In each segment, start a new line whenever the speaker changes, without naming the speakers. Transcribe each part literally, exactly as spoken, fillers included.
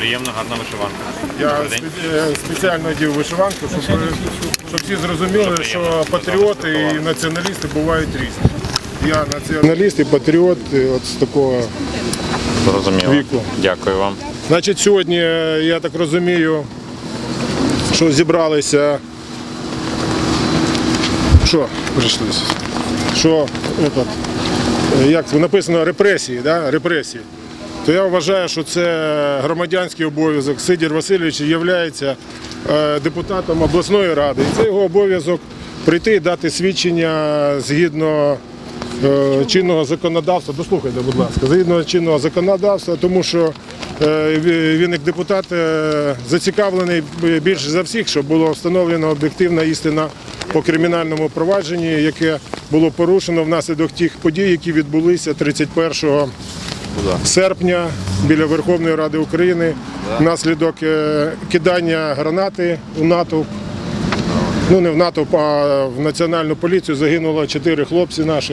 приємно, гарна вишиванка.
Я спеціально одів вишиванку, щоб, щоб всі зрозуміли, що патріоти і націоналісти бувають різні. Я націоналіст і патріот от з такого
Зрозуміло.
віку.
Дякую вам.
Значить, сьогодні, я так розумію, що зібралися, що прийшлися, що, этот, як написано, репресії, да? репресії. То я вважаю, що це громадянський обов'язок. Сидір Васильович є депутатом обласної ради. І це його обов'язок прийти і дати свідчення згідно чинного законодавства. Дослухайте, будь ласка, згідно чинного законодавства, тому що він як депутат зацікавлений більше за всіх, щоб була встановлена об'єктивна істина по кримінальному провадженні, яке було порушено внаслідок тих подій, які відбулися тридцять першого серпня біля Верховної Ради України внаслідок кидання гранати у натовп. Ну, не в натовп, а в Національну поліцію загинуло чотири хлопці наших,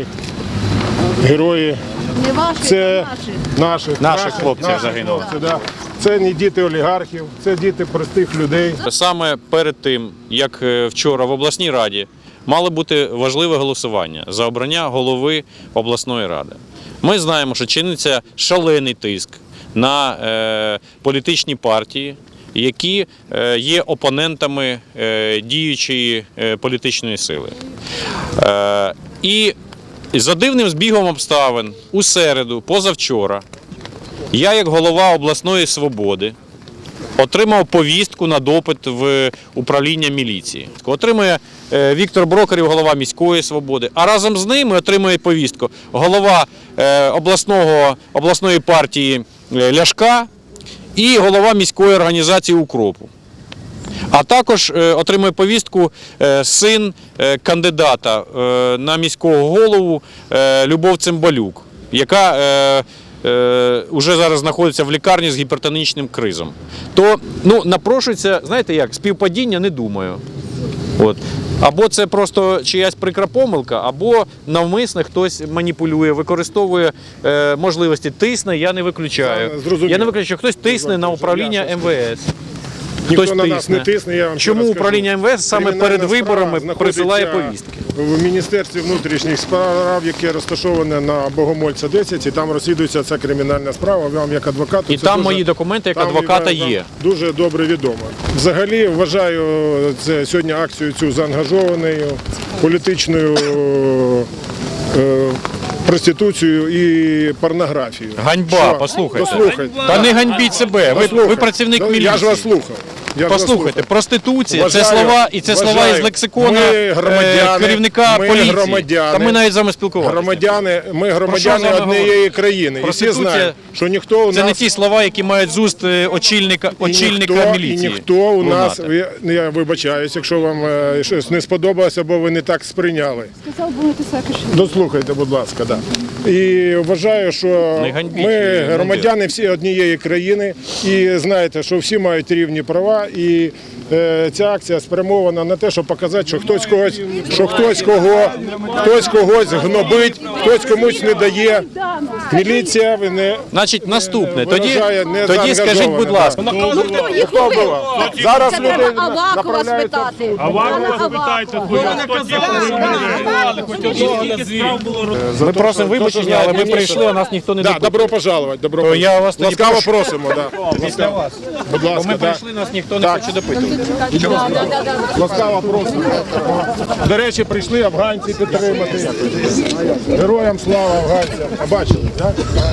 герої.
Не ваші,
це
а
наших.
Наших хлопців загинуло.
Да. Це не діти олігархів, це діти простих людей.
Саме перед тим, як вчора в обласній раді мало бути важливе голосування за обрання голови обласної ради. Ми знаємо, що чиниться шалений тиск на е, політичні партії, які е, є опонентами е, діючої е, політичної сили. Е, і за дивним збігом обставин у середу, позавчора, я як голова обласної «Свободи» отримав повістку на допит в управління міліції. Отримує Віктор Брокарів, голова міської «Свободи», а разом з ними отримує повістку голова обласного, обласної партії Ляшка і голова міської організації «Укропу». А також отримує повістку син кандидата на міського голову Любов Цимбалюк, яка вже зараз знаходиться в лікарні з гіпертонічним кризом. То, ну, напрошується, знаєте як, співпадіння не думаю. От. Або це просто чиясь прикра помилка, або навмисно хтось маніпулює, використовує е, можливості, тисне, я не виключаю.
Зрозуміло.
Я не виключаю, хтось тисне на управління ем ве ес.
Ніхто
Хтось
на нас не тисне, я вам
Чому
ще
управління ем ве ес саме перед виборами присилає повістки?
В Міністерстві внутрішніх справ, яке розташоване на Богомольця десять, і там розслідується ця кримінальна справа, вам як адвокату.
І там мої документи як адвоката є.
Дуже добре відомо. Взагалі вважаю це сьогодні акцію цю заангажованою, політичною е, проституцію і порнографію.
Ганьба,
Що?
послухайте.
Послухайте.
Та не ганьбіть себе, ви, ви працівник
Ну,
міліції.
Я ж вас слухав. Я
Послухайте, проституція,
Вважаю,
це слова, і це
вважаю,
слова із лексикона
ми громадяни,
керівника
ми
поліції.
громадяни,
Та ми навіть з вами спілкувалися.
Громадяни, ми
Про
громадяни
що з вами
однієї
говорити?
країни. І всі
Проституція
знають, що ніхто у
Це
нас...
не ті слова, які мають з уст е, очільника,
і
очільника
ніхто,
міліції.
І ніхто у нас,
лунати.
я, я вибачаюсь, якщо вам е, щось не сподобалося, або ви не так сприйняли.
Сказав, будете сакиші.
Дослухайте, будь ласка, да. І вважаю, що
Не ганьбіть,
ми
не
громадяни всі однієї країни, і знаєте, що всі мають рівні права, і е, ця акція спрямована на те, щоб показати, що хтось когось, що хтось кого, хтось когось гнобить, хтось комусь не дає. Міліція ви не
Значить, наступне. Тоді,
виражає не
тоді скажіть, будь ласка,
Ну хто їх
Хто
убив?
було? Зараз
Це
люди
треба Авакова
направляються.
спитати.
Авакова запитайте,
ми просимо вибачення, але ми прийшли, а нас ніхто не
Да,
допитує.
добро пожаловать, добро
То я вас тоді
ласкаво
прошу.
просимо, да. Ласкаво. Будь
Бо
ласка,
ми
да.
прийшли, нас ніхто не
Так.
хоче допитувати.
Ласкаво просимо. До речі, прийшли афганці підтримати. Героям слава афганцям. А бачили, так?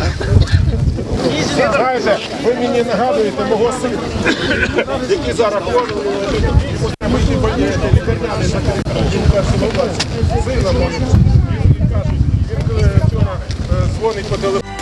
Знаєте, ви мені нагадуєте мого сина, який зараз ходить. Ми ті лікарняни закрили. Сина, він каже, він вчора дзвонить по телефону.